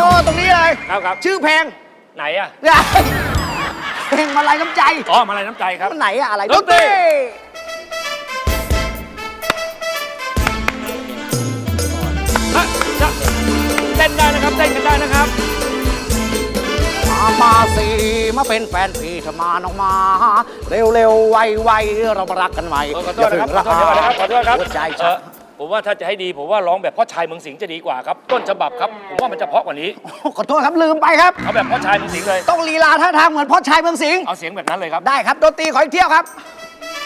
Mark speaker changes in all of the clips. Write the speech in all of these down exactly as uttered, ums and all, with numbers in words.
Speaker 1: ตรงนี้เลย
Speaker 2: ครับครับ
Speaker 1: ชื่อเพลง
Speaker 2: ไหนอะ
Speaker 1: เพลงมาลัยน้ำใจ
Speaker 2: อ๋อมาลัยน้ำใจครับ
Speaker 1: มันไหนอะอะไร
Speaker 2: ดนตรี ฮะจะเต้นได้นะครับเต้นกันได้นะครับ
Speaker 1: มามาสิมาเป็นแฟนพี่เธอมาน้องมา เร็วเร็วๆไวไวๆเรามารักกันใหม่
Speaker 2: เออขอโทษนะครับขอโทษนะครับขอโทษครับ
Speaker 1: หัวใจ
Speaker 2: เอ
Speaker 1: ฉั
Speaker 2: อน ผมว่าถ้าจะให้ดีผมว่าร้องแบบพ่อชายเมืองสิงห์จะดีกว่าครับ ต้นฉบับครับ ผมว่ามันจะเพราะกว่านี้
Speaker 1: ขอโทษครับลืมไปครับ
Speaker 2: เอาแบบพ่อชายเมืองสิงห์เลย
Speaker 1: ต้องลีลาท่าทางเหมือนพ่อชายเมืองสิงห์
Speaker 2: เอาเสียงแบบนั้นเลยครับ
Speaker 1: ได้ครับดนตรีขออีกเที่ยวครับ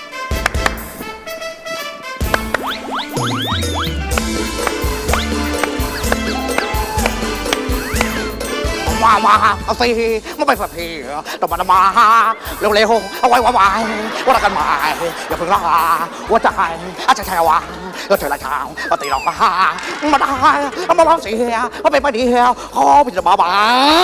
Speaker 1: มามาเอาสิมาไปสักทีต้องมามาเร็วเร็วเอาไว้ไว้ไว้ว่ารักกันมาอย่าเพิ่งลาว่าใจอาจจะแช่วางเธอละชาวมาตีเราก็มาได้มาลองเสียมาเป็นไปดีขอพิจารณาบ้า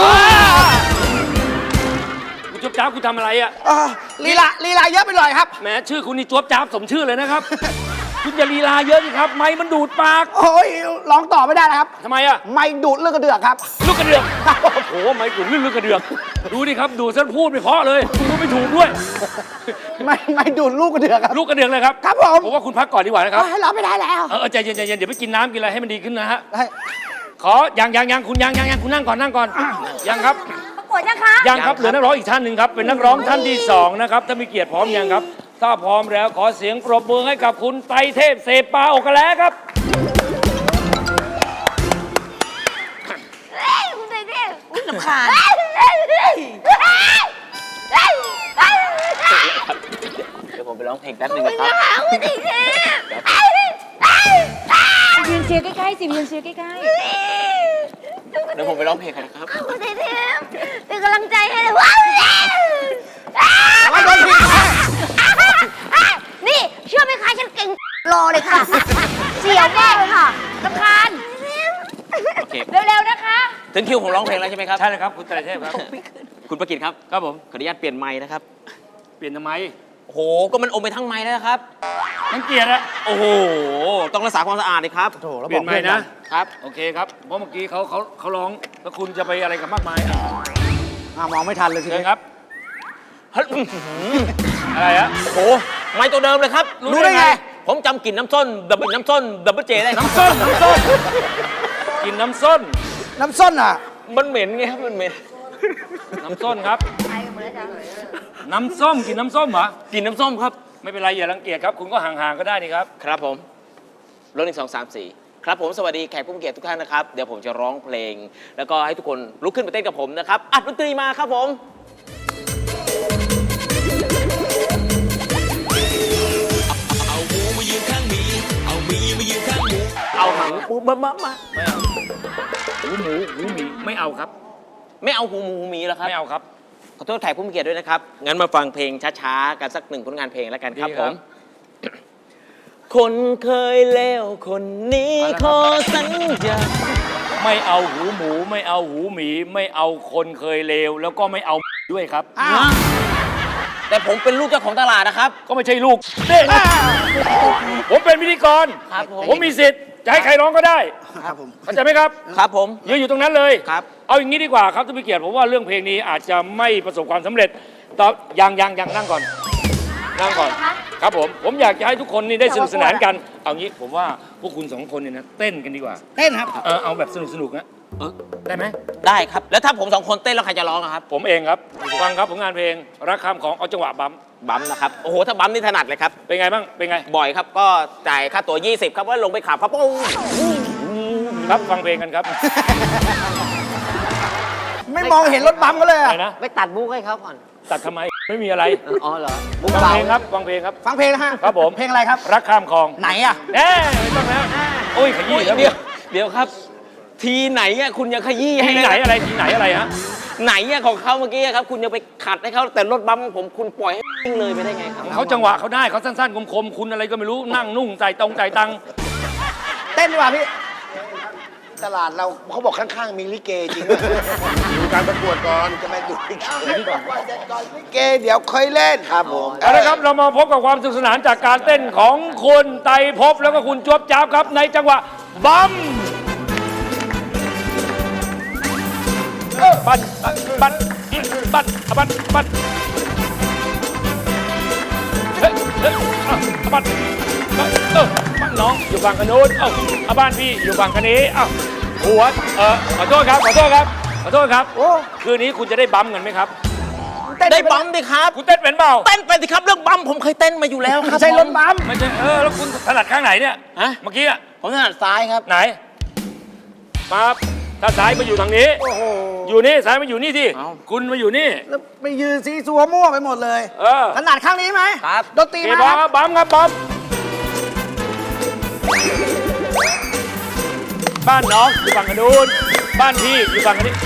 Speaker 2: คุณจ๊อบจ้าบคุณทำอะไรอ่ะ
Speaker 1: ลีลาลีลาเยอะไปหน่อยครับ
Speaker 2: แหมชื่อคุณนี่จ๊อบจ้าบสมชื่อเลยนะครับ คุณอย่าลีลาเยอะสิครับ ไม้มันดูดปาก
Speaker 1: โอ้ยร้องต่อไม่ได้นะครับ
Speaker 2: ทำไมอ่ะ
Speaker 1: ไม่ดูดเลือดกระเดือกครับ
Speaker 2: ลูกกระเดือกโอ้โหไม้กุ่นลื่นลูกกระเดือกดูดิครับดูดซะพูดไม่เพราะเลยพูดไม่ถูกด้วย
Speaker 1: ไม่ไม่ดูดลูกกระเดือกครับ
Speaker 2: ลูกกระเดือกเลยครับ
Speaker 1: ครับผม
Speaker 2: ผมว่าคุณพักก่อนดีกว่านะครับ
Speaker 1: ให้รับไม่ได้แล้ว
Speaker 2: เออใจเย็นใจเย็นเดี๋ยวไปกินน้ำกินอะไรให้มันดีขึ้นนะฮะ
Speaker 1: ให้
Speaker 2: ขอยังยังยังคุณยังยังยังคุณนั่งก่อนนั่งก่อนยังครับ
Speaker 3: ประกวดยังคะ
Speaker 2: ยังครับเหลือนักร้องอีกท่านหนึ่งครับเป็นนักร้องท่านที่สองนะครับถ้ามีเกียรติพร้อมยังครับ ถ้าพร้อมแล้วขอเสียงปรบมือให้กับคุณไตรเทพเสปาโอกะแลครับ
Speaker 3: เฮ้ยคุณไตรเทพอุ้ยลำคาญ
Speaker 4: เดี๋ยวผมไปร้องเพลงแป๊บนึงนะครับ
Speaker 3: คุณไตรเทพยืนเชียร์ใกล้ๆสิยืนเชียร์ใกล้
Speaker 4: เดี๋ยวผมไปร้องเพลงกันนะครับ
Speaker 3: ๆคุณไตรเทพเป็นกำลังใจให้เลยว้าวนี่เชื่อไหมคะฉันเก่งรอเลยค่ะเสียวมากเลยค่ะลำคาญ
Speaker 4: โอเค
Speaker 3: เร็วๆนะคะ
Speaker 4: ถึงคิวผมร้องเพลงแล้วใช่ไหมครับ
Speaker 2: ใช่เลยครับคุณไตรเทพครับ
Speaker 4: คุณประกิตครับ
Speaker 2: ครับผม
Speaker 4: ขออนุญาตเปลี่ยนไม้นะครับ
Speaker 2: เปลี่ยนทำไม
Speaker 4: โอ้โห ก็มันอมไปทั้งไม้แล้วนะครับ
Speaker 2: ทั้งเกียรติอะ
Speaker 4: โอ้โห ต้องรักษาความสะอาดเลยครับ
Speaker 1: โถแล้ว
Speaker 2: เป
Speaker 1: บ
Speaker 2: ลี่
Speaker 1: อย ก
Speaker 2: นใหม่
Speaker 1: เพื่อน
Speaker 2: นะ
Speaker 4: ครับ
Speaker 2: โอเคครับเพราะเมื่อกี้เขาเขาเขาร้องแล้วคุณจะไปอะไรกับมากมายอ่ะ
Speaker 1: อ่ะมองไม่ทันเลยที
Speaker 2: เชิญ
Speaker 1: นี้
Speaker 2: ครับ
Speaker 4: เฮ้ย
Speaker 2: อะไรอะ
Speaker 4: โอ้โห ไม้ตัวเดิมเลยครับ
Speaker 2: รู้ได้ไง
Speaker 4: ผมจำกลิ่นน้ำส้นดับเบิลน้ำส้นดับเบิลเจได้ครับ
Speaker 2: น้ำส้มน้ำส้มกินน้ำส้น
Speaker 1: น้ำส้นอ่ะ
Speaker 4: มันเหม็นไงครับ มันเหม็น
Speaker 2: น้ำส้มครับ น้ำส้มกินน้ำส้มเหรอก
Speaker 4: ลิ่นน้ำส้มครับ
Speaker 2: ไม่เป็นไรอย่ารังเกียจครับ คุณก็ห่างๆก็ได้นี่ครับ
Speaker 4: ครับผมรถหนึ่งสองสามสี่ครับผมสวัสดีแขกผู้มีเกียรติทุกท่านนะครับ เดี๋ยวผมจะร้องเพลง แล้วก็ให้ทุกคนลุกขึ้นมาเต้นกับผมนะครับ อัดดนตรีมาครับผม เอาหมูมายืนข้างหมี เอาหมีมายืนข้างหมู เอาหางปูมามามา
Speaker 2: ไม่เอาหูหมูหูหมีไม่เอาครับ
Speaker 4: ไม่เอาหูหมูหูหมีเหรอครับ
Speaker 2: ไม่เอาครับ
Speaker 4: ขอโทษแขกผู้มีเกียรติด้วยนะครับ งั้นมาฟังเพลงช้าๆ กันสักหนึ่งผลงานเพลงแล้วกันครับ
Speaker 2: ดี
Speaker 4: ผ
Speaker 2: ครับ
Speaker 4: ม คนเคยเลวคนนี้ขอสัญญา
Speaker 2: ไม่เอาหูหมูไม่เอาหูหมี ไม่เอาคนเคยเลวแล้วก็ไม่เอาด้วยครับ
Speaker 1: อ้าว
Speaker 4: แต่ผมเป็นลูกเจ้าของตลาดนะครับ
Speaker 2: ก็ไม่ใช่ลูกเด้ผมเป็นพิธีกร
Speaker 4: ครับผม
Speaker 2: ผมมีสิทธิ์จะให้ใครร้องก็ได้
Speaker 1: ครับผม
Speaker 2: เข้าใจไหมครับ
Speaker 4: ครับผม
Speaker 2: ยืนอยู่ตรงนั้นเลย
Speaker 4: ครับ
Speaker 2: เอาอย่างนี้ดีกว่าครับท่านผู้เกียรติผมว่าเรื่องเพลงนี้อาจจะไม่ประสบความสำเร็จต่อยังยังยังนั่งก่อน นั่งก่อน ครับผม ผมอยากจะให้ทุกคนนี่ได้สนุกสนานกัน เอางี้ผมว่าพวกคุณสองคนเนี่ยนะเต้นกันดีกว่า
Speaker 1: เต้นครับ
Speaker 2: เออเอาแบบสนุกสนุกๆนะเออได้ไหม
Speaker 4: ได้ครับ แล้วถ้าผมสองคนเต้นแล้วใครจะร้องอะครับ
Speaker 2: ผมเองครับ ฟังครับผลงานเพลงรักคำของเอาจังหวะบัม
Speaker 4: บัมนะครับ โอ้โห ถ้าบัมนี่ถนัดเลยครับ
Speaker 2: เป็นไงบ้าง เป็นไง
Speaker 4: บ่อยครับ ก็จ่ายค่าตั๋วยี่สิบครับว่าลงไปขับครับปุ้ง
Speaker 2: ครับฟังเพลงกันครับ
Speaker 1: ไม่มองเห็นรถบัมก็เลย
Speaker 2: อะ
Speaker 1: อ่ะ
Speaker 2: ไรนะ
Speaker 5: ไปตัดบุ๊กให้เขาก่อน
Speaker 2: ตัดทำไม ไม่มีอะไร
Speaker 5: อ๋อเหรอ
Speaker 1: บุ๊ก
Speaker 2: ฟัง
Speaker 1: เบา
Speaker 2: เพลงครับ ฟังเพลงครับ
Speaker 1: ฟังเพลงนะฮะ
Speaker 2: ครับผม
Speaker 1: เพลงอะไรครับ
Speaker 2: รักข้ามคลอง
Speaker 1: ไหนอ่ะ
Speaker 2: แน่ไม่ต้องแล้วโอ้ยขยี้แล้ว
Speaker 4: เดี๋ยว เดี๋ยวครับ ทีไหนอะคุณยังขยี้ให้
Speaker 2: ทีไหนอะไรทีไหนอะไรฮะ
Speaker 4: ไหนอะของเขาเมื่อกี้อะครับ คุณยังไปขัดให้เขาแต่รถบัมของผมคุณปล่อยให้วิ่งเลยไปได้ไงครับ
Speaker 2: เขาจังหวะเขาได้เขาสั้นๆคมๆคุณอะไรก็ไม่รู้นั่งนุ่งใจตรงใจตัง
Speaker 1: เต้นดีกว่าพี่
Speaker 5: ตลาดเราเขาบอกข้างๆ มีลิเกจริงด้วย
Speaker 6: ดูการประกวดก่อน
Speaker 5: จะมาดูลิเกลิเกเดี๋ยวค่อยเล่นครับผม
Speaker 2: เอาละครับเรามาพบกับความสนุกสนานจากการเต้นของคุณไตรภพแล้วก็คุณจวบจ้าบครับในจังหวะบัมบันบันบันบันบันเฮ้ยเฮ้ยอ่ะบันบันเออบ้านน้องอยู่ฝั่งกันนู้นเอ้าเอาบ้านพี่อยู่ฝั่งกันนี้เอ้าหัวเออขอโทษครับขอโทษครับขอโทษครับ
Speaker 1: โอ้
Speaker 2: คืนนี้คุณจะได้บัมกันไหมครับ
Speaker 4: ได้บัมดิครับ
Speaker 2: คุณเต้นเป็นเปล่า
Speaker 4: เต้นไปสิครับเรื่องบัมผมเคยเต้นมาอยู่แล้วครับ
Speaker 1: ไม่ใช่รถบัม
Speaker 2: ไม่ใช่เออแล้วคุณถนัดข้างไหนเนี่ย
Speaker 4: ฮะ
Speaker 2: เมื่อกี้อะ
Speaker 4: ผมถนัดซ้ายครับ
Speaker 2: ไหนมาถ้าซ้ายมาอยู่ทางนี้
Speaker 1: โอ้โห
Speaker 2: อยู่นี่ซ้ายมาอยู่นี่ที่
Speaker 4: เอ้า
Speaker 2: คุณมาอยู่นี่
Speaker 1: แล้วไปยืนซีซัวมั่วไปหมดเลย
Speaker 2: เออ
Speaker 1: ถนัดข้างนี้ไหม
Speaker 4: ครับ
Speaker 1: ดนตรี
Speaker 2: เก
Speaker 1: มา
Speaker 2: บอ
Speaker 1: ครับ
Speaker 2: บัมครับบัมบ้านน้องอยู่ฝั่งนู้นบ้านพี่อยู่ฝั่งนี้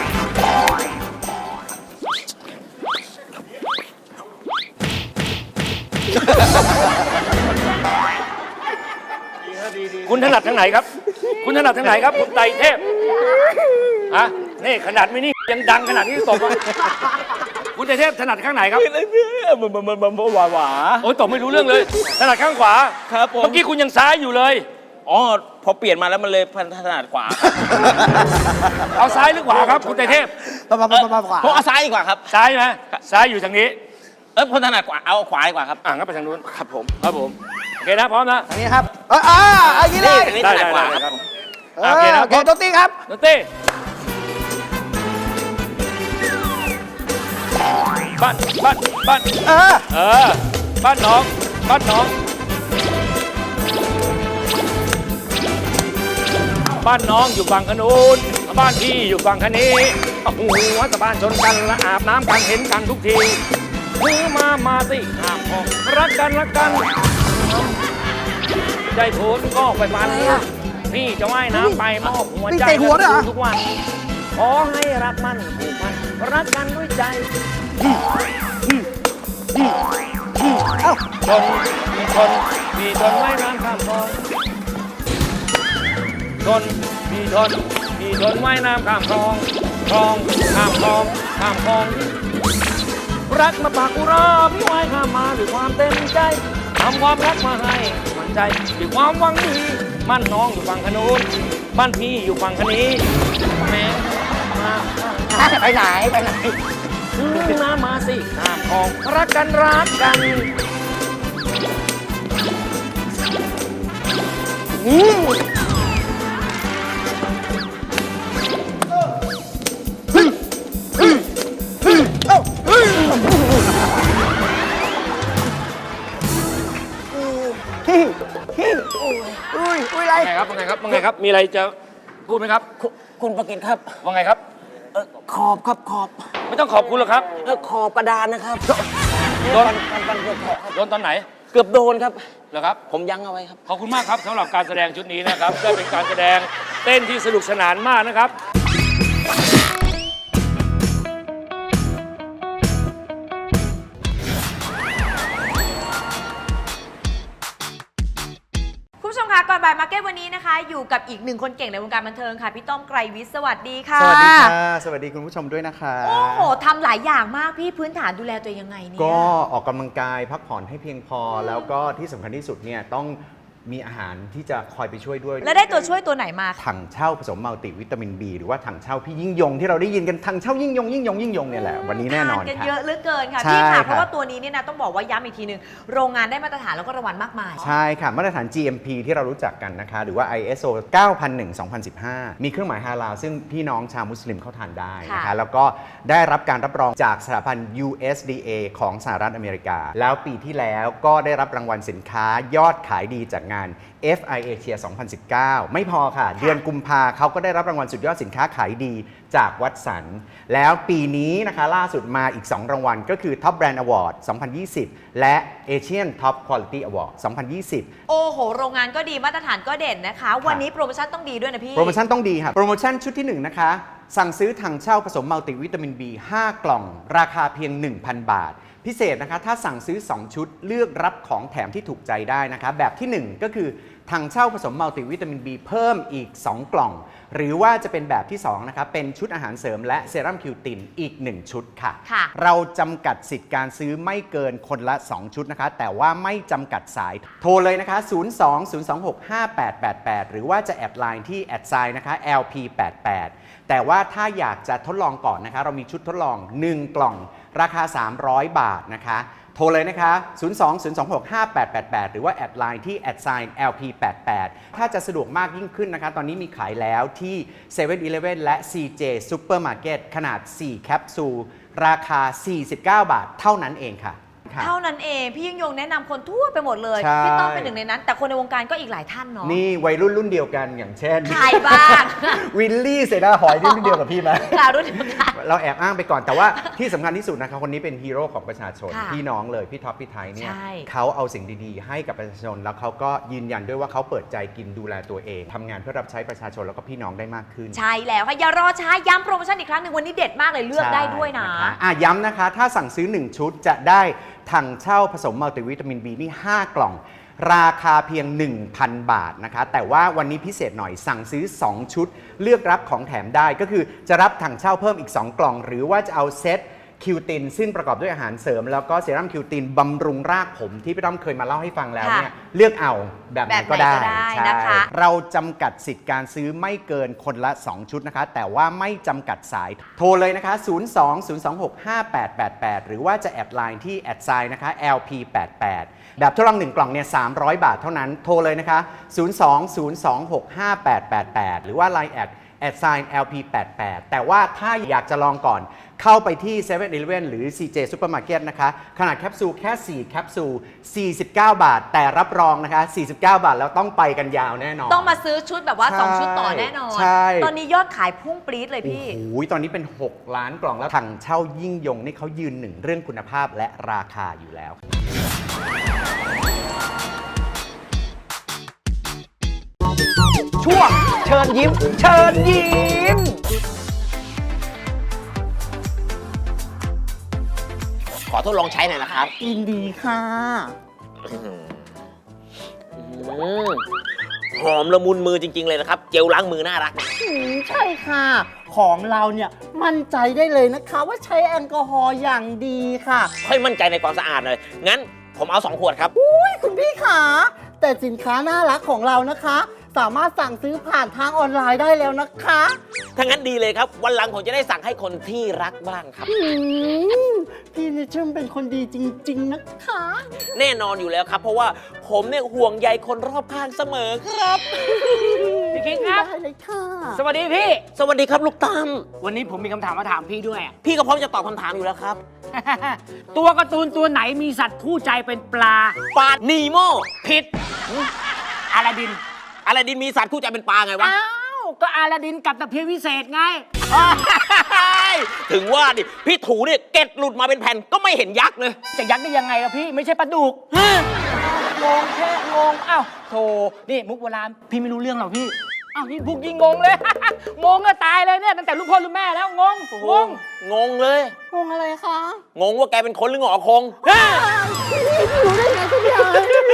Speaker 2: คุณถนัดทางไหนครับ คุณถนัดทางไหนครับคุณไตรเทพฮะนี่ขนาดไม่นี่ยังดังขนาดนี้ตบอ่ะคุณไตรเทพถนัดข้างไหนครับ
Speaker 4: มันมันมันมันหวาหวา
Speaker 2: โอ้ยตบไม่รู้เรื่องเลยถนัดข้างขวา
Speaker 4: ครับผม
Speaker 2: เมื่อกี้คุณยังซ้ายอยู่เลย
Speaker 4: อ๋อพอเปลี่ยนมาแล้วมันเลยพันถนัดขวา
Speaker 2: เอาซ้ายหรือขวาครับคุณไตรเทพ
Speaker 1: ปะปะปะปะขวา
Speaker 4: ผมเอาซ้ายดีกว่าครับ
Speaker 2: ซ้ายไหมซ้ายอยู่ทางนี้
Speaker 4: เออผมถนัดขวาเอาขวาดีกว่าครับ
Speaker 2: อ่ะงั้นไปทางนู้น
Speaker 4: ครับผม
Speaker 2: ครับผมโอเคนะพร้อมนะ
Speaker 1: อันนี้ครับเอออ่าอันนี้เลย
Speaker 4: อันนี้
Speaker 2: ได้
Speaker 4: ถนั
Speaker 2: ได้
Speaker 4: ดขวา
Speaker 2: ได้
Speaker 4: ค
Speaker 2: ค
Speaker 4: รั
Speaker 2: รั
Speaker 4: บบ
Speaker 1: เออ
Speaker 2: โอเคนะ
Speaker 1: โอเคดนตรีครับ
Speaker 2: ดนตรีบ้านบ้านบ้าน
Speaker 1: เออ
Speaker 2: เออบ้านน้องบ้านน้อง บ้านน้องอยู่ฝั่งขนูนบ้านพี่อยู่ฝั่งคะนี้โอ้โหวัดบ้านชนกันและอาบน้ำกันเห็นกันทุกทีมือมามาสิห้ามออกรักกันรักกันใจโผล่ก็ไปฟันพี่จะว่ายน้ำไปมอบหัวใจ
Speaker 1: นี่ใส่หัวด้วยเหรอ
Speaker 2: ทุกวันขอให้รักมันผูกพันรักกันด้วยใจ
Speaker 1: เอ้า
Speaker 2: ชนมีชนมีชนว่ายน้ำข้ามคลองชนมีชนมีชนว่ายน้ำข้ามคลองคลองข้ามคลองข้ามคลอง รักมาปากอุราพี่ว่ายข้ามมาด้วยความเต็มใจทำความรักมาให้มันใจด้วยความหวังดีบ้านน้องอยู่ฝั่งขนูนบ้านพี่อยู่ฝั่งคนี้แม่มา
Speaker 1: ไปไหนไปไหน
Speaker 2: ซื้อน้ำมาสิข้ามคลองรักกันรักกัน
Speaker 1: ฮิฮิอุ้ยอุ้ยอะไร
Speaker 2: ว่าไงครับว่าไงครับว่าไงครับ มีอะไรจะพูดไหมครับ
Speaker 4: คุณประกิตครับ
Speaker 2: ว่าไงครับ
Speaker 4: เออขอบครับขอบ
Speaker 2: ไม่ต้องขอบคุณหรอกครับ
Speaker 4: เออขอบกระดานนะครับ
Speaker 2: โดน
Speaker 4: ปันปันเกือบขอบครับ
Speaker 2: โดนตอนไหน
Speaker 4: เกือบโดนครับ
Speaker 2: เหรอครับ
Speaker 4: ผมยั้งเอาไว้ครับ
Speaker 2: ขอบคุณมากครับสำหรับการแสดงชุดนี้นะครับได้เป็นการแสดงเต้นที่สนุกสนานมากนะครับ
Speaker 3: คุณผู้ชมคะก่อนบ่ายมาร์เก็ตวันนี้นะคะ อยู่กับอีกหนึ่งคนเก่งในวงการบันเทิงค่ะพี่ต้อมไกรวิทย์สวัสดีค่ะ
Speaker 7: สวัสดีค่ะ สวัสดีคุณผู้ชมด้วยนะคะ
Speaker 3: โอ้โหทำหลายอย่างมากพี่พื้นฐานดูแลตัวเองยังไงเนี่ย
Speaker 7: ก็ออกกำลังกายพักผ่อนให้เพียงพอ แล้วก็ที่สำคัญที่สุดเนี่ยต้องมีอาหารที่จะคอยไปช่วยด้วย
Speaker 3: แล้วได้ตัวช่วยตัวไหนมาคะ
Speaker 7: ถังเช่าผสมมัลติวิตามิน B หรือว่าถังเช่าพี่ยิ่งยงที่เราได้ยินกันถังเช่ายิ่งยงยิ่งยงยิ่งยงเนี่ยแหละวันนี้แน่นอน
Speaker 3: ทานกัน
Speaker 7: ค่ะ
Speaker 3: เยอะเหลือเกินค่ะ
Speaker 7: ใช่
Speaker 3: พี่ค่ะ
Speaker 7: ค่ะ
Speaker 3: เพราะว่าตัวนี้เนี่ยนะต้องบอกว่าย้ำอีกทีหนึ่งโรงงานได้มาตรฐานแล้วก็รางวัลมากมาย
Speaker 7: ใช่ค่ะ มาตรฐาน จี เอ็ม พี ที่เรารู้จักกันนะคะ หรือว่า ไอ เอส โอ เก้าพันหนึ่ง สองพันสิบห้า มีเครื่องหมายฮาลาลซึ่งพี่น้องชาวมุสลิมเข้าทานได้นะคะ
Speaker 3: ค่ะ
Speaker 7: แล้วก็ได้รับการรับรองจากสถาบัน ยู เอส ดี เอ ของสหรัฐอเมริกา แล้วปีที่แล้วก็ได้รับรางวัลสินค้ายอดขายดีจากงาน เอฟ ไอ Asia สองพันสิบเก้า ไม่พอค่ะ เดือนกุมภาเขาก็ได้รับรางวัลสุดยอดสินค้าขายดีจากวัตสัน แล้วปีนี้นะคะล่าสุดมาอีก สอง รางวัลก็คือ Top Brand Award สองพันยี่สิบ และ Asian Top Quality Award สองพันยี่สิบ
Speaker 3: โอ้โห โรงงานก็ดีมาตรฐานก็เด่นนะคะ วันนี้โปรโมชั่นต้องดีด้วยนะพี่
Speaker 7: โปรโมชั่นต้องดีค่ะ โปรโมชั่นชุดที่ หนึ่ง นะคะ สั่งซื้อถังเช่าผสมมัลติวิตามิน B ห้า กล่อง ราคาเพียง หนึ่งพัน บาท พิเศษนะคะ ถ้าสั่งซื้อ สอง ชุดเลือกรับของแถมที่ถูกใจได้นะคะ แบบที่ หนึ่ง ก็คือถังเช่าผสมมัลติวิตามิน B เพิ่มอีก สอง กล่อง หรือว่าจะเป็นแบบที่ สอง นะคะ เป็นชุดอาหารเสริมและเซรั่มคิวตินอีก หนึ่ง ชุดค่ะ
Speaker 3: ค่ะ
Speaker 7: เราจำกัดสิทธิ์การซื้อไม่เกินคนละ สอง ชุดนะคะ แต่ว่าไม่จำกัดสาย โทรเลยนะคะ ศูนย์ สอง ศูนย์ สอง หก ห้า แปด แปด แปด หรือว่าจะแอดไลน์ที่แอดไซน์นะคะ แอล พี แปด แปด แต่ว่าถ้าอยากจะทดลองก่อนนะคะ เรามีชุดทดลอง หนึ่ง กล่อง ราคา สามร้อย บาทนะคะ โทรเลยนะคะ ศูนย์ สอง ศูนย์ สอง หก ห้า แปด แปด แปด หรือว่าแอดไลน์ที่ แอดไซน์ แอล พี แปด แปด ถ้าจะสะดวกมากยิ่งขึ้นนะคะ ตอนนี้มีขายแล้วที่ เซเว่น อีเลฟเว่น และ ซี เจ Supermarket ขนาด สี่ แคปซูล ราคา สี่สิบเก้า บาท เท่านั้นเองค่ะค่ะ
Speaker 3: เท่านั้นเองพี่ยิ่งยงแนะนำคนทั่วไปหมดเลย
Speaker 7: ใช่
Speaker 3: พี่ต้องเป็นหนึ่งในนั้น แต่คนในวงการก็อีกหลายท่านเนาะ
Speaker 7: นี่วัยรุ่นรุ่นเดียวกันอย่างเช่น
Speaker 3: ใครบ้าง
Speaker 7: วิลลี่เสนาหอยนี่รุ่นเดียวกับพี่ไหม
Speaker 3: ค่ะรุ่นเดียวกัน
Speaker 7: เราแอบอ้างไปก่อนแต่ว่าที่สำคัญที่สุดนะครับคนนี้เป็นฮีโร่ของประชาชน
Speaker 3: ค่ะ
Speaker 7: พี่น้องเลยพี่ท็อปพี่ไทยเนี่ย
Speaker 3: ใช่
Speaker 7: เขาเอาสิ่งดีๆ ให้กับประชาชน แล้วเขาก็ยืนยันด้วยว่าเขาเปิดใจกินดูแลตัวเองทำงานเพื่อรับใช้ประชาชนแล้วก็พี่น้องได้มากขึ้น
Speaker 3: ใช่แล้วค่ะอย่ารอช้าย้ำโปรโมชั่นอีกครั้งหนึ่งวันนี้เด็ดมากเลยเลือกได้ด้วยนะ
Speaker 7: ใช่คอ่ะย้ำนะคะ ถ้าสั่งซื้อ หนึ่ง ชุดจะได้ถังเช่าผสมมัลติวิตามิน บี นี่ ห้า กล่อง ราคาเพียง หนึ่งพัน บาทนะคะ แต่ว่าวันนี้พิเศษหน่อยสั่งซื้อ สอง ชุด เลือกรับของแถมได้ก็คือจะรับถังเช่าเพิ่มอีก สอง กล่อง หรือว่าจะเอาเซตคิวตินซึ่งประกอบด้วยอาหารเสริม แล้วก็เซรั่มคิวตินบำรุงรากผมที่พี่ต้อมเคยมาเล่าให้ฟังแล้วเนี่ยเลือกเอาแบบไหนก็ได้
Speaker 3: แบบไหนก็ได้
Speaker 7: ใช่
Speaker 3: นะคะ
Speaker 7: เราจำกัดสิทธิ์การซื้อไม่เกินคนละ สอง ชุดนะคะ แต่ว่าไม่จำกัดสาย โทรเลยนะคะ ศูนย์ สอง ศูนย์ สอง หก ห้า แปด แปด แปด หรือว่าจะแอดไลน์ที่แอดไซน์นะคะ แอล พี แปด แปด แบบทดลองหนึ่งกล่องเนี่ยสามร้อย บาทเท่านั้น โทรเลยนะคะ ศูนย์ สอง ศูนย์ สอง หก ห้า แปด แปด แปด หรือว่า ไลน์ แอดแอดไซน์ แอล พี แปด แปด แต่ว่าถ้าอยากจะลองก่อนเข้าไปที่ เซเว่น อีเลฟเว่น หรือ ซี เจ Supermarket นะคะ ขนาดแคปซูลแค่ สี่ แคปซูล สี่สิบเก้า บาท แต่รับรองนะคะ สี่สิบเก้า บาทแล้วต้องไปกันยาวแน่นอน
Speaker 3: ต้องมาซื้อชุดแบบว่า
Speaker 7: ใช่
Speaker 3: สอง ชุดต่อแน่นอน
Speaker 7: ใช่
Speaker 3: ตอนนี้ยอดขายพุ่งปรี๊ดเลยพี่
Speaker 7: โอ้โหตอนนี้เป็น หก ล้านกล่องแล้วถังเช่ายิ่งยงนี่เขายืนหนึ่งเรื่องคุณภาพและราคาอยู่แล้ว
Speaker 1: ช่วงเชิญยิ้ม เชิญยิ้ม
Speaker 4: ขอทดลองใช้หน่อยนะครับ
Speaker 1: ยินดีค่ะ
Speaker 4: อืมหอมละมุนมือจริง ๆ เลยนะครับ เจลล้างมือน่ารัก
Speaker 8: อืมใช่ค่ะ ของเราเนี่ยมั่นใจได้เลยนะคะว่าใช้แอลกอฮอล์อย่างดีค่ะ
Speaker 4: ค่อยมั่นใจในความสะอาดเลย งั้นผมเอาสองขวดครับ
Speaker 8: อุ้ยคุณพี่ขาแต่สินค้าน่ารักของเรานะคะ สามารถสั่งซื้อผ่านทางออนไลน์ได้แล้วนะคะ
Speaker 4: ถ้างั้นดีเลยครับ วันหลังผมจะได้สั่งให้คนที่รักบ้างครับ
Speaker 8: อืมพี่นี่ช่างเป็นคนดีจริง ๆ นะคะ
Speaker 4: แน่นอนอยู่แล้วครับ เพราะว่าผมเนี่ยห่วงใยคนรอบข้างเสมอครับ
Speaker 9: พี่คิงครับ
Speaker 8: ได้เลยค่ะ
Speaker 9: สวัสดีพี่
Speaker 4: สวัสดีครับลูกตั้ม
Speaker 9: วันนี้ผมมีคำถามมาถามพี่ด้วยอะ
Speaker 4: พี่ก็พร้อมจะตอบคำถามอยู่แล้วครับ
Speaker 9: ตัวการ์ตูนตัวไหนมีสัตว์คู่ใจเป็นปลา
Speaker 4: ปลานีโม
Speaker 9: ผิดอาลาดิน
Speaker 4: อะไรดินมีสัตว์คู่ใจเป็นปลาไงวะ
Speaker 9: อ้าว ก็อาลาดินกับตะเพียนวิเศษไง
Speaker 4: ถึงว่าดิ พี่ถูเนี่ยเก็ดหลุดมาเป็นแผ่นก็ไม่เห็นยักษ์เลย
Speaker 9: จะยักได้ยังไงล่ะพี่ไม่ใช่ปลาดุกงงแค่งงอ้าวโธ่นี่มุกโบราณพี่ไม่รู้เรื่องหรอกพี่อ้าวยิ่งพูดยิ่งงงเลย งงก็ตายเลยเนี่ยตั้งแต่ลูกพ่อลูกแม่แล้วงงงง
Speaker 4: งงเลย
Speaker 8: งงอะไรคะ
Speaker 4: งงว่าแกเป็นคนหรือหงอคง
Speaker 8: รู้ได้ไงคุณยาย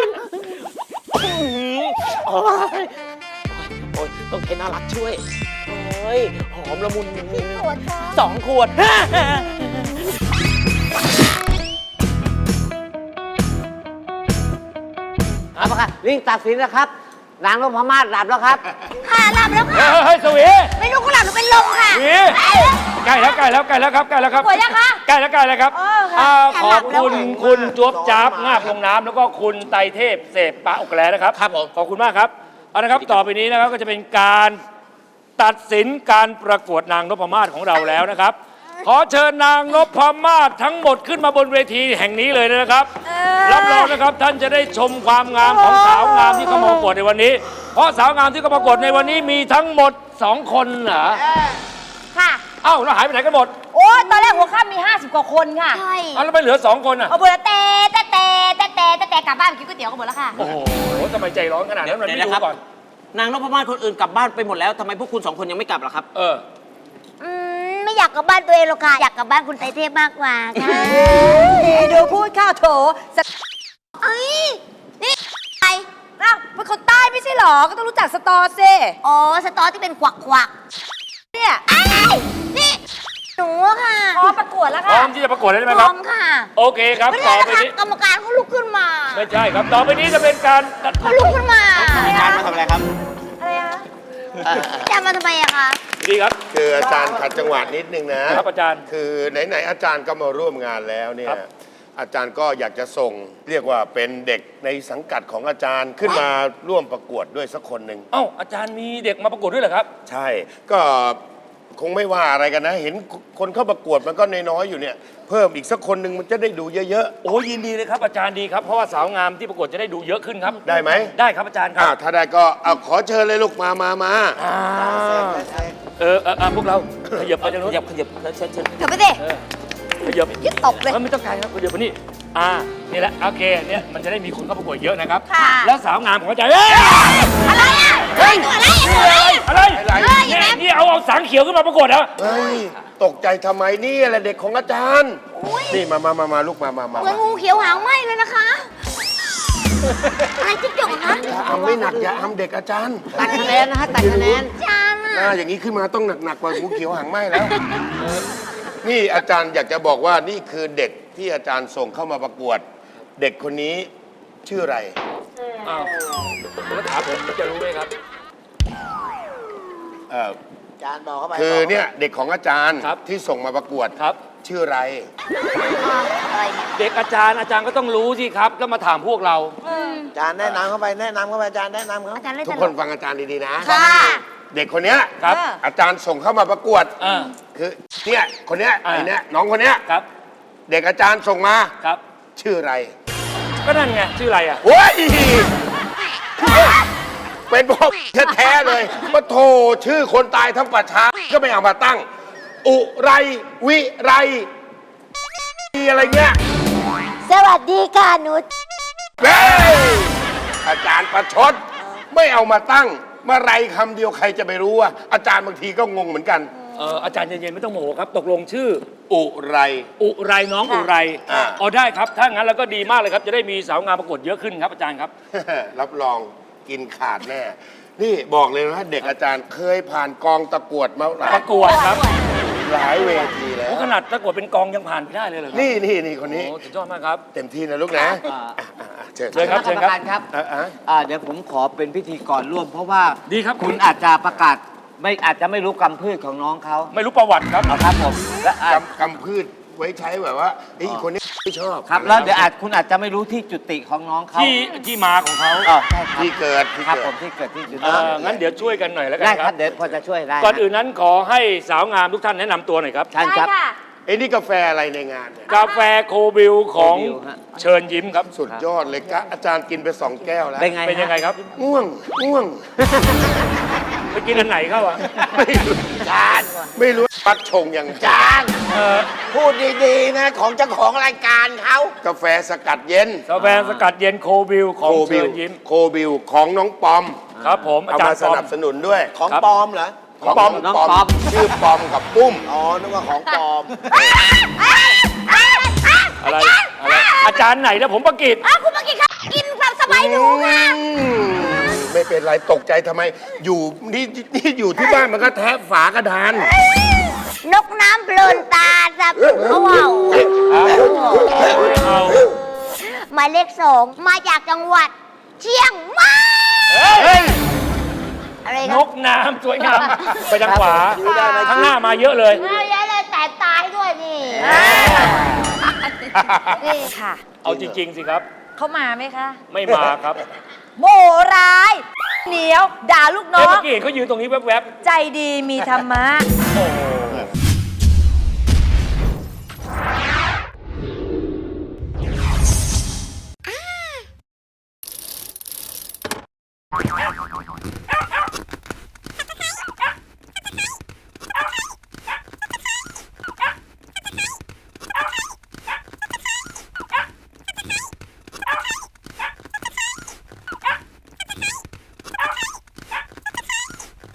Speaker 4: โอ้ยโอ้ยต้องใช้น่ารักช่วย โอ้ย หอมละมุน
Speaker 8: ขวดค่ะ
Speaker 4: สองขวด
Speaker 10: เอาละครับลิงตัดสินนะครับ นางนพมาศหลับแล้วครับ
Speaker 3: ค่ะหลับแล้วค่ะ
Speaker 2: เฮ้ยสวี
Speaker 3: ไม่รู้ก็หลับหรือเป็นลมค่ะ
Speaker 2: สวีใกล้แล้วใกล้แล้วใกล้แล้วครับใกล้แล้วครับ
Speaker 3: สวยยังคะ
Speaker 2: ใกล้แล้วใกล้แล้วครับ
Speaker 3: เออค่ะ
Speaker 2: อ่า
Speaker 3: แอบ
Speaker 2: ข
Speaker 3: หลั
Speaker 2: อบบ
Speaker 3: แล้ว
Speaker 2: คุณคุณจวบจ๊าบงาบลงน้ำแล้วก็คุณไตรเทพเสพปะอกแกลนะครับ
Speaker 4: ครับผม
Speaker 2: ขอบคุณมากครับเอาละครับต่อไปนี้นะครับก็จะเป็นการตัดสินการประกวดนางนพมาศของเราแล้วนะครับ ขอเชิญนางนพมาศทั้งหมดขึ้นมาบนเวทีแห่งนี้เลยนะครับ
Speaker 3: เออ
Speaker 2: รับรองนะครับท่านจะได้ชมความงามของสาวงามที่เข้ามาประกวดในวันนี้ เพราะสาวงามที่เข้ามาประกวดในวันนี้มีทั้งหมดสองคนเหรอ
Speaker 3: ค่ะ
Speaker 2: เอ้าแล้วหายไปไหนกันหมด
Speaker 3: โอ้ยตอนแรกหัวข้ามมี ห้าสิบ กว่าคนค่ะ ใช่
Speaker 2: เอ้าแล้วไม่เหลือสองคนอ่ะ
Speaker 3: เอาบุญแต่แต่แต่แต่แต่แต่แต่กลับบ้านไปกินก๋วยเตี๋ยวกันหมดแล้วค่ะ
Speaker 2: โอ้โหทำไมใจร้อนขนาดนั้นมันไม่ดูก่อน
Speaker 4: นางนพมาศคนอื่นกลับบ้านไปหมดแล้วทำไมพวกคุณสองคนยังไม่กลับล่ะครับ
Speaker 2: เออ
Speaker 3: อืมไม่อยากกลับบ้านตัวเองหรอกค่ะ อยากกลับบ้านคุณไตรเทพมากกว่าค่ะดูพูดข้าวโถสเอ้ยนี่ใครอ้าวเป็นคนใต้ไม่ใช่หรอ ก็ต้องรู้จักสตอซิอ๋อ สตอที่เป็นควักควักเนี่ยไอ้นี่หนูค่ะ อ๋อ ประกวดแล้ว
Speaker 2: พร้
Speaker 3: ค่ะ
Speaker 2: อมที่จะประกวดแล้วใช่ไหม
Speaker 3: พ
Speaker 2: ค
Speaker 3: ร้
Speaker 2: รั
Speaker 3: อบ มค่ะ
Speaker 2: โอเคครับ
Speaker 3: ไม่
Speaker 2: ต่
Speaker 3: ได้
Speaker 2: อ
Speaker 3: นะ
Speaker 2: ไป
Speaker 3: คะ
Speaker 2: นี้
Speaker 3: กรรมการเขาลุกขึ้นมา
Speaker 2: ไม่ใช่ครับ ต่อไปนี้จะเป็นการ
Speaker 3: เขาลุกขึ้นมา
Speaker 4: อาจารย์มาทำอะไรครับ
Speaker 3: อะไรอะอาจารย์มาทำไมอะคะ
Speaker 2: ดีครับ
Speaker 6: คืออาจารย์ขัดจังหวะนิดนึงนะครับ
Speaker 2: อาจารย์
Speaker 6: คือไหนๆอาจารย์ก็มาร่วมงานแล้วเนี่ย
Speaker 2: ครับ
Speaker 6: อาจารย์ก็อยากจะส่ง เรียกว่าเป็นเด็กในสังกัดของอาจารย์ขึ้นมาร่วมประกวดด้วยสักคนหนึ่ง
Speaker 2: เอ้าอาจารย์มีเด็กมาประกวดด้วยเหรอครับ
Speaker 6: ใช่ ก็คงไม่ว่าอะไรกันนะ เห็นคนเข้าประกวดมันก็น้อยๆอยู่เนี่ย เพิ่มอีกสักคนหนึ่งมันจะได้ดูเยอะ
Speaker 2: โอ้ยินดีเลยครับอาจารย์ดีครับเพราะว่าสาวงามที่ประกวดจะได้ดูเยอะขึ้นครับ
Speaker 6: ๆ ได้ไหม
Speaker 2: ได้ครับอาจารย์ค
Speaker 6: อ่า
Speaker 2: รับ
Speaker 6: ถ้าได้ก็เอาขอเชิญเลยลูกมามามา
Speaker 2: อ่าเออเออเออพวกเราขยับไปทางนู้น
Speaker 4: ขยับขยับเชิญเชิญ
Speaker 3: เดี๋ยวไปสิ
Speaker 2: ขยับ
Speaker 3: ยึดตบเลย
Speaker 2: เออไม่ต้องการครับขยับไปนี่อ่านี่แหละโอเคเนี่ยมันจะได้มีคนเข้าประกวดเยอะนะครับ
Speaker 3: ค่ะ
Speaker 2: แล้วสาวงามของอาจารย์เอ้ย
Speaker 3: อะไรอ่ะเฮ้ยอะไรอะไร
Speaker 2: อะไร
Speaker 3: เฮ้ย
Speaker 2: เนี่ย
Speaker 3: แม่
Speaker 2: นี่เอาเอาสังเขียวขึ้นมาประกวดเหรอ
Speaker 6: เฮ้ยตกใจทำไมนี่แหละเด็กของอาจารย์ นี่มามามามาลูกมามามา
Speaker 3: เหมือนงูเขียวหางไหมเลยนะคะ อะไรจิ๊กจกอะคะ
Speaker 6: อย่าทำไม่หนักอย่าทำเด็กอาจารย์
Speaker 10: ตัดคะแนนนะฮะ ตัดคะแนน
Speaker 3: จานอะ
Speaker 6: หน้าอย่างนี้ขึ้นมาต้องหนักๆกว่างูเขียวหางไหมแล้ว นี่อาจารย์อยากจะบอกว่านี่คือเด็กที่อาจารย์ส่งเข้ามาประกวด เด็กคนนี้ชื่ออะไร
Speaker 2: อ้าวแล้วถามผมจะรู้ไหมครับ
Speaker 6: เอ่อ
Speaker 5: อาจารย์บอกเข้าไป
Speaker 6: คือเนี่ยเด็กของอาจารย์
Speaker 2: ครับ
Speaker 6: ที่ส่งมาประกวด
Speaker 2: ครับ
Speaker 6: ชื่ออะไร
Speaker 3: อะไรเนี่ย
Speaker 2: เด็กอาจารย์อาจารย์ก็ต้องรู้สิครับแล้วมาถามพวกเรา
Speaker 5: อาจารย์แนะนำเข้าไปแนะนำเข้าไปอาจารย์แนะนำเขา
Speaker 3: อาจารย์เล่น
Speaker 6: ทุ
Speaker 3: ต
Speaker 6: ก
Speaker 3: ล
Speaker 6: คน
Speaker 3: ก
Speaker 6: ฟังอาจารย์ดีๆนะ
Speaker 3: ค่ะ
Speaker 6: เด็กคนเนี้ย
Speaker 2: ครับ
Speaker 6: อาจารย์ส่งเข้ามาประกวด
Speaker 2: อ่า
Speaker 6: คือเนี่ยคนเนี้ย
Speaker 2: อ่า
Speaker 6: ไอ้เนี้ยน้องคนเนี้ย
Speaker 2: ครับ
Speaker 6: เด็กอาจารย์ส่งมา
Speaker 2: ครับ
Speaker 6: ชื่ออะไร
Speaker 2: ก็นั่นไงชื่ออะไรอ่ะ
Speaker 6: โอ้ยเป็นพ่อแท้ๆเลยว่าโทชื่อคนตายทั้งประชาก็ไม่เอามาตั้ง อุไรวิไรอะไรเงี้ย
Speaker 3: สวัสดีค่ะหนู
Speaker 6: เฮ้ยอาจารย์ประชดไม่เอามาตั้งเมื่อไรคำเดียวใครจะไปรู้ว่าอาจารย์บางทีก็งงเหมือนกัน
Speaker 2: เอออาจารย์เย็นๆไม่ต้องโมโหครับ ตกลงชื่อ
Speaker 6: อุไร
Speaker 2: อุไรน้องอุไร
Speaker 6: อ่า
Speaker 2: อ๋อได้ครับ ถ้างั้นแล้วก็ดีมากเลยครับ จะได้มีสาวงามประกวดเยอะขึ้นครับอาจารย์ครับ
Speaker 6: รับรองกินขาดแน่ นี่บอกเลยนะเด็กอาจารย์เคยผ่านกองตะกวดมาหลาย
Speaker 2: ประกวดครับ
Speaker 6: หลายเวทีแล้ว
Speaker 2: โอ้ขนาดประกวดเป็นกองยังผ่านไปได้เลยเหรอครับ
Speaker 6: นี่นี่นี่คนนี้
Speaker 2: โอ้สุดยอดมากครับ
Speaker 6: เต็มที่นะลูกนะ
Speaker 10: อ่า
Speaker 6: อ่ะอ่ะอ่ะเชิญ
Speaker 2: เชิญครับ
Speaker 10: คณะกรรมการครับ
Speaker 6: อ่ะอ่ะ
Speaker 10: อ่าเดี๋ยวผมขอเป็นพิธีกรร่วม เพราะว่า
Speaker 2: ดีครับ
Speaker 10: คุณอาจจะประกาศไม่อาจจะไม่รู้กำพืชของน้องเขา
Speaker 2: ไม่รู้ประวัติครับ
Speaker 10: เอาครับผมและอ่ะ
Speaker 6: กำกำพืชไว้ใช้แบบว่าไอ้ยคนนี้ไม่ชอบ
Speaker 10: ครับแล้วเดี๋ยวอาจคุณอาจจะไม่รู้ที่จุติของน้องเขา
Speaker 2: ที่ที่มาของเขา
Speaker 10: อ๋อใช่ครับ
Speaker 6: ที่เกิดที่
Speaker 10: ครับ
Speaker 6: เกิ
Speaker 10: ผ
Speaker 6: ด
Speaker 10: มที่เกิดที่จุ
Speaker 2: เอ
Speaker 10: ติ
Speaker 2: องั้นเดี๋ยวช่วยกันหน่อยแล้วกัน
Speaker 10: ได้
Speaker 2: ค
Speaker 10: ค
Speaker 2: รั
Speaker 10: รับ บเดี๋ยวพอจะช่วยได้
Speaker 2: ก่อนอื่นนั้นขอให้สาวงามทุกท่านแนะนำตัวหน่อยครับ
Speaker 10: ท่าน
Speaker 3: ได้
Speaker 10: ครับ
Speaker 3: ค่ะ
Speaker 6: ไอ้นี่กาแฟอะไรในงานเนี่ย
Speaker 2: กาแฟโคบิลของ
Speaker 10: โคบิลฮะ
Speaker 2: เชิญยิ้มครับ
Speaker 6: สุดยอดเลยกะอาจารย์กินไปสองแก้วแล้ว
Speaker 10: เป็นไง
Speaker 2: เป็นยังไง
Speaker 10: ฮะ
Speaker 2: ครับ
Speaker 6: ง่วงง่วง
Speaker 2: ไปกินอันไหนเข้าอ่ะ
Speaker 6: ไม่รู้จานไม่รู้ปัดชงยังจาน
Speaker 2: เออ
Speaker 5: พูดดีๆนะของเจ้าของรายการเขา
Speaker 6: กาแฟสกัดเย็น
Speaker 2: กาแฟสกัดเย็นโคบิลของ
Speaker 6: โคบิ
Speaker 2: เชิ
Speaker 6: ล
Speaker 2: ญยิ้ม
Speaker 6: โคบิลของน้องปอม
Speaker 2: ครับผมอา
Speaker 6: เอา
Speaker 2: จาร
Speaker 6: มา
Speaker 2: ย์
Speaker 6: ส
Speaker 2: ปอม
Speaker 6: นับสนุนด้วย
Speaker 5: ของ
Speaker 2: ครับ
Speaker 5: ปลอมเหรอ
Speaker 6: ของปอม
Speaker 10: น้องปอม
Speaker 6: ชื่อปอมกับปุ้ม
Speaker 5: อ๋อนึกว่าของปลอม
Speaker 2: อะไรอะไรอาจารย์ไหนนะผมประกิต
Speaker 3: อ้าวคุณเมื่อกี้ค่ะกินความสบายหนูค่ะ
Speaker 6: อืมไม่เป็นไรตกใจทำไม อยู่นี่นี่อยู่ที่บ้านมันก็แทะฝากระดาน
Speaker 3: นกน้ำเพลินตาจับเขาเอา
Speaker 2: เอา
Speaker 3: หมายเลขสองมาจากจังหวัดเชียงใหม่
Speaker 2: เฮ้ย
Speaker 3: อะไร
Speaker 2: น
Speaker 3: นะ
Speaker 2: กน้ำสวยงามไปทางขวา
Speaker 5: ดูได้ไหม
Speaker 2: ข้างหน้ามาเยอะเลย
Speaker 3: เอาเยอะเลยแต่ตายด้วยนี่นี่ค่ะ
Speaker 2: เอาจริง ๆ สิครับ
Speaker 3: เขามาไหมคะ
Speaker 2: ไม่มาครับ
Speaker 3: โมร้าย เหนียว ด่าลูกน้
Speaker 2: เอ้ย
Speaker 3: อ
Speaker 2: เมื่
Speaker 3: ง
Speaker 2: อกี้เห็นเขายืนตรงนี้แวบ
Speaker 3: ใจดีมีธรรมะ
Speaker 2: ๆ โอ้โห